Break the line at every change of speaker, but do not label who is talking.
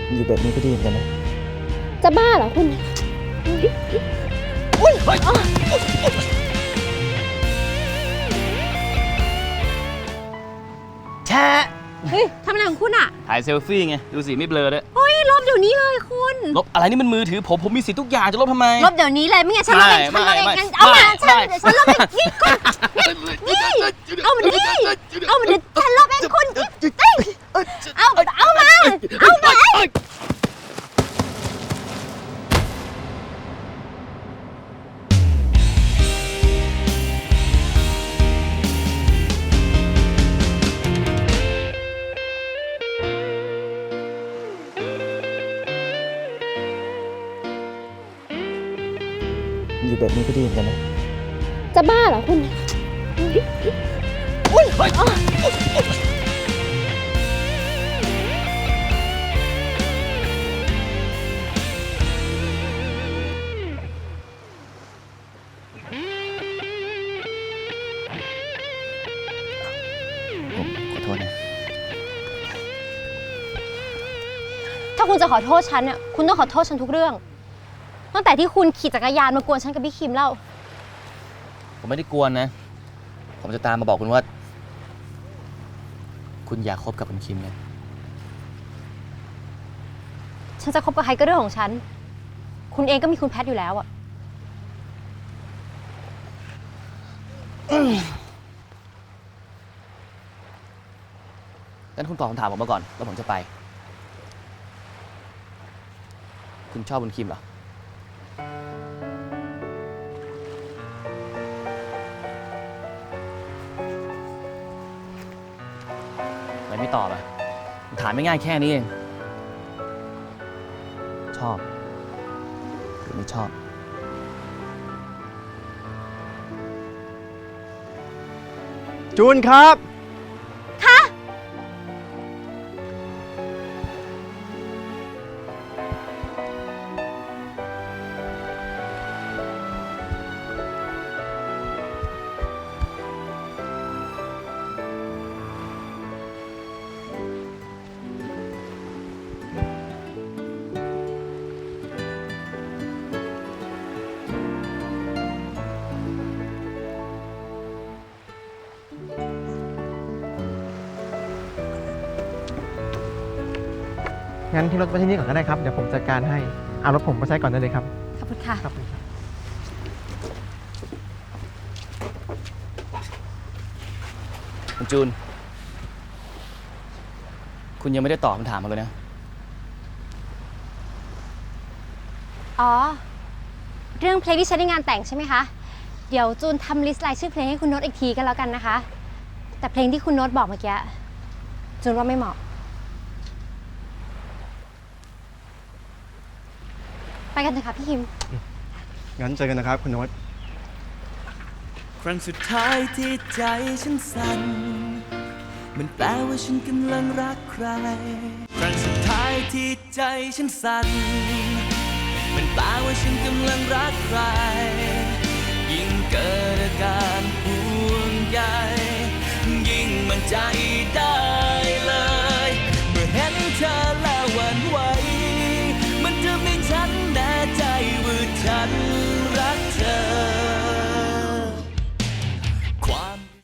อยู่แบบนี้ก็ดีเหมือนกันนะ
จะบ้าเหรอคุณ
แช่
เฮ้ยทำอะไรของคุณอ่ะ
ถ่ายเซลฟี่ไง ดูสิไม่เบลอด้วย
เฮ้ยลบเดี๋ยวนี้เลยคุณ
ลบอะไรนี่มันมือถือผมมีสิทธิ์ทุกอย่างจะลบทำไม
ลบเดี๋ยวนี้เลยไม่งั้นฉันลบเองฉันลบเองงั้นเอามาฉันเดี๋ยวฉันลบเองนี่คุณนี่เอามาดิเอามาดิฉันลบเองคุณเอามาเอามา
อยู่แบบนี้ก็ดีเหมือนกันนะ
จะบ้าเหรอคุณ
ผมขอโทษนะ
ถ้าคุณจะขอโทษฉันเนี่ยคุณต้องขอโทษฉันทุกเรื่องตั้งแต่ที่คุณขี่จักรยานมากวนฉันกับพี่คิมเล่า
ผมไม่ได้กวนนะ ผมจะตามมาบอกคุณว่า คุณอยากคบกับคุณคิมไง
ฉันจะคบกับใครก็เรื่องของฉันคุณเองก็มีคุณแพทอยู่แล้วอะ
งั้นคุณตอบคำถามผมมาก่อน แล้วผมจะไป คุณชอบคุณคิมเหรอ ทำไมไม่ตอบอ่ะถามไม่ง่ายแค่นี้เอง ชอบหรือไม่ชอบ
จูนครับ งั้นทิ้งรถไว้ที่นี่ก่อนก็ได้ครับ เดี๋ยวผมจัดการให้ เอารถผมไปใช้ก่อนได้เลยครับ
ขอบคุณค่ะ
ครับ
คุณจูน คุณยังไม่ได้ตอบคำถามมาเลยนะ
อ๋อ เรื่องเพลงที่ใช้ในงานแต่งใช่ไหมคะ เดี๋ยวจูนทำลิสต์รายชื่อเพลงให้คุณโน้ตอีกทีกันแล้วกันนะคะ แต่เพลงที่คุณโน้ตบอกเมื่อกี้จูนว่าไม่เหมาะ ไปกันเถอะค่ะพี่คิม
งั้นเจอกันนะครับคุณโน้ต
ครั้งสุดท้ายที่ใจฉันสั่นมันแปลว่าฉันกำลังรักใคร ครั้งสุดท้ายที่ใจฉันสั่นมันแปลว่าฉันกำลังรักใคร ยิ่งเกิดอาการห่วงใยยิ่งมั่นใจได้